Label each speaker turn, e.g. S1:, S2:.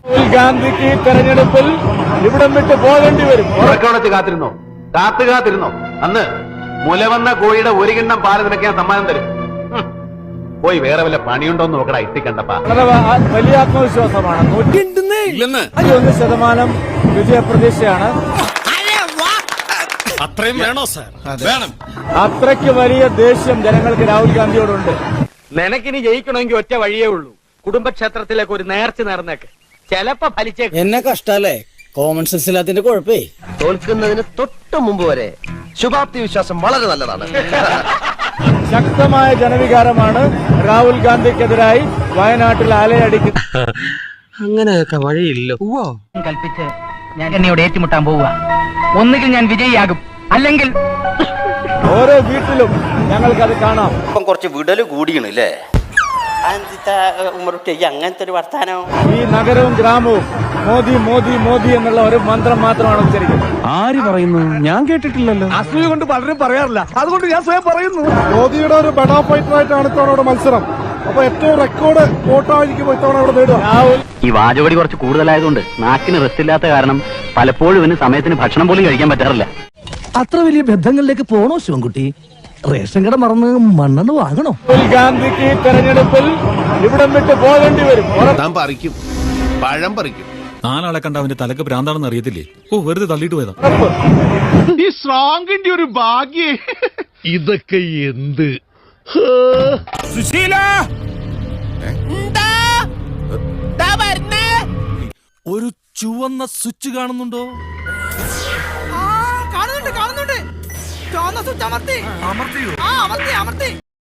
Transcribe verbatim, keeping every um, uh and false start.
S1: രാഹുൽ ഗാന്ധിക്ക് തെരഞ്ഞെടുപ്പിൽ ഇവിടം വിട്ട് പോകേണ്ടി വരും.
S2: ഉറക്കമുണച്ച് കാത്തിരുന്നോ, കാത്തു കാത്തിരുന്നോ. അന്ന് മുലവന്ന കോഴിയുടെ ഒരു കിണ്ണം പാല് നിനക്ക് ഞാൻ സമ്മാനം തരും. പോയി വേറെ വല്ല പണിയുണ്ടോന്ന് നോക്കടാ ഇട്ടിക്കണ്ടപ്പാ.
S1: വളരെ വലിയ ആത്മവിശ്വാസമാണ്. നൂറ്റി ഒന്ന് ശതമാനം വിജയപ്രതീക്ഷയാണ്.
S3: അത്രയും വേണോ സാർ? വേണം.
S1: അത്രയ്ക്ക് വലിയ ദേഷ്യം ജനങ്ങൾക്ക് രാഹുൽ ഗാന്ധിയോടുണ്ട്.
S4: നിനക്കിനി ജയിക്കണമെങ്കിൽ ഒറ്റ വഴിയേ ഉള്ളൂ. കുടുംബക്ഷേത്രത്തിലേക്ക് ഒരു നേർച്ച നേർന്നേക്ക്, ചിലപ്പോ ഫലിച്ചേക്ക്.
S5: എന്നെ കഷ്ടല്ലേ, കോമൺ സെൻസ് ഇല്ലാത്തിന്റെ കുഴപ്പേ.
S6: തോൽക്കുന്നതിന് തൊട്ട് മുമ്പ് വരെ ശുഭാപ്തി വിശ്വാസം വളരെ നല്ലതാണ്.
S1: ശക്തമായ ജനവികാരമാണ് രാഹുൽ ഗാന്ധിക്കെതിരായി വയനാട്ടിൽ അലയടിക്കുന്നത്.
S6: അങ്ങനെയൊക്കെ വഴിയില്ലോ.
S4: കൽപ്പിച്ച് ഞാൻ എന്നോട് ഏറ്റുമുട്ടാൻ പോവുക. ഒന്നുകിൽ ഞാൻ വിജയിയാകും, അല്ലെങ്കിൽ
S1: ഓരോ വീട്ടിലും ഞങ്ങൾക്കത് കാണാം.
S6: ഇപ്പം കുറച്ച് വിടല് കൂടിയാണ് അല്ലേ? അങ്ങനത്തെ ഒരു വർത്താനോ.
S1: ഈ നഗരവും ഗ്രാമവും മോദി മോദി മോദി എന്നുള്ള ഒരു മന്ത്രം മാത്രമാണ് ഉച്ചരിക്കുന്നത്.
S5: ആര് പറയുന്നു? ഞാൻ കേട്ടിട്ടില്ലല്ലോ.
S1: അസൂയ കൊണ്ട് പലരും പറയാറില്ല, അതുകൊണ്ട് ഞാൻ സ്വയം പറയുന്നു. മോദിയുടെ ഒരു ബെഡാ ഫൈറ്റർ ആയിട്ടാണ് ഇത്തവണ ഇവിടെ മത്സരം. അപ്പൊ ഏറ്റവും റെക്കോർഡ് വോട്ടായിരിക്കും ഇത്തവണ ഇവിടെ നേടുക. രാഹുൽ
S4: ഈ വാചകടി കുറച്ച് കൂടുതലായതുകൊണ്ട് നാക്കിന് റെസ്റ്റ് ഇല്ലാത്ത കാരണം പലപ്പോഴും ഇവന് സമയത്തിന് ഭക്ഷണം പോലും കഴിക്കാൻ പറ്റാറില്ല.
S5: അത്ര വലിയ ബന്ധങ്ങളിലേക്ക് പോണോ ശിവൻകുട്ടി? റേഷൻ കട മറന്ന് മണ്ണെണ്ണ വാങ്ങണോ?
S1: രാഹുൽ ഗാന്ധിക്ക് തെരഞ്ഞെടുപ്പിൽ ഇവിടം വിട്ട് പോകേണ്ടി വരും.
S3: താൻ പറിക്കും, പഴം പറിക്കും. നാലാളെ കണ്ട അവന്റെ തലക്ക് ഭ്രാന്താണെന്ന് അറിയത്തില്ലേ? ഓ, വെറുതെ തള്ളിയിട്ട് പോയതാ.
S7: ഈ സ്ട്രോങ്ങിന്റെ ഒരു ഭാഗ്യേ. ഇതൊക്കെ എന്ത്
S3: സുശീല, ഒരു ചുവന്ന സ്വിച്ച് കാണുന്നുണ്ടോ?
S8: കാണുന്നുണ്ട് കാണുന്നുണ്ട്. ചുവന്ന സ്വിച്ച് അമർത്തി. അമർത്തിയോ? ആ അമർത്തി അമർത്തി.